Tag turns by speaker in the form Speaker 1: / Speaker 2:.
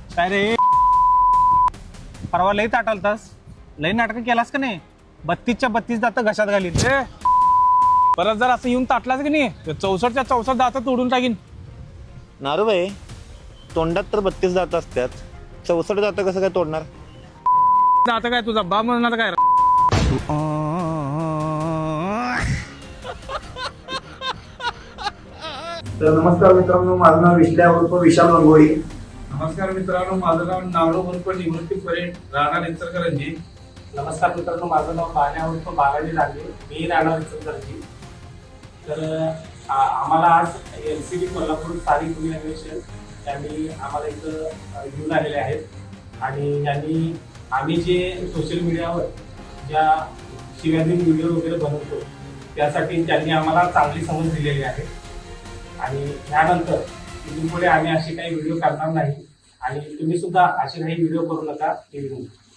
Speaker 1: काय रे परवा लई ताटालतास, लई नाटक केलास का नाही? 32च्या 32 दात घशात घालीन.
Speaker 2: परत जर असं येऊन ताटलाच की नाही 64च्या 64 दात तोडून टाकीन.
Speaker 3: नारूबाई, तोंडात तर 32 दात असतात, 64 दात कसं काय तोडणार?
Speaker 2: आता काय तुझा बाप म्हणणार काय?
Speaker 4: तर नमस्कार मित्रांनो, माझं नाव विश्ल्या उर्फ विशाल रंगोळी.
Speaker 5: नमस्कार मित्रांनो, माझं नाव नावडो उर्फ निवृत्ती परेड, राहणार इचलकरंजी.
Speaker 6: नमस्कार मित्रांनो, माझं नाव बाल्या उर्फ बालाजी लांडे, मी राहणार इचलकरंजी. तर आम्हाला आज LCB कोल्हापूर स्थानिक गुन्हे अन्वेषण यांनी आम्हाला इथं घेऊन आलेले आहेत आणि यांनी आम्ही जे सोशल मीडियावर ज्या शिव्याधीन व्हिडिओ वगैरे बनवतो त्यासाठी त्यांनी आम्हाला चांगली समज दिलेली आहे आणि यानंतर इथून पुढे आम्ही असे काही व्हिडिओ करणार नाही आणि तुम्ही सुद्धा असे काही व्हिडिओ करू नका.